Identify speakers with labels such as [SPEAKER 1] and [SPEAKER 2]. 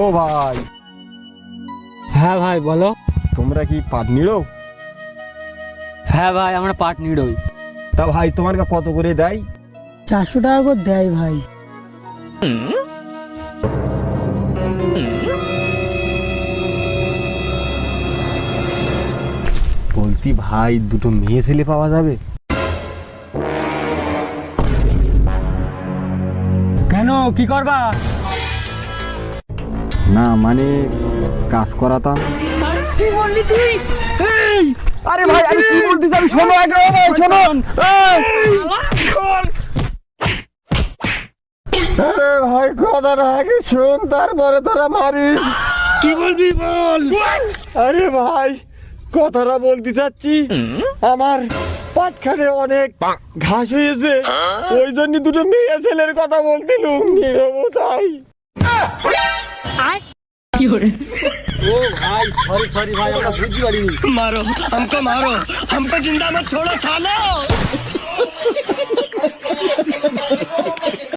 [SPEAKER 1] ভাই,
[SPEAKER 2] হ্যাঁ ভাই বলো।
[SPEAKER 1] তোমরা কি পাট নিড়ো?
[SPEAKER 2] হ্যাঁ ভাই আমরা পাট নিড়ই।
[SPEAKER 1] তা ভাই তোমার কত করে দেয়?
[SPEAKER 3] 400 টাকা করে দেয় ভাই।
[SPEAKER 1] বলতি ভাই, দুটো মেয়ে ছেলে পাওয়া যাবে?
[SPEAKER 2] কেন, কি করবা?
[SPEAKER 1] না মানে কাজ করাতাম।
[SPEAKER 2] কি বললি তুই? এই
[SPEAKER 1] আরে ভাই আমি কি বলতেছি, আমি শোনো আগে, ও ভাই শোনো। আরে ভাই কথাটা আগে শোন, তারপরে তোরা মারিস।
[SPEAKER 2] কি বলবি বল।
[SPEAKER 1] আরে ভাই কথাটা বলতে চাচ্ছি, আমার পাটখানে অনেক ঘাস হয়েছে, ওই জন্য দুটো মেয়ে ছেলের কথা বলতিলুম নিরবো তাই।
[SPEAKER 2] ও ভাই সরি ভাই, আমরা বুঝতে পারিনি।
[SPEAKER 4] मारो हमको जिंदा मत छोड़ो सालो।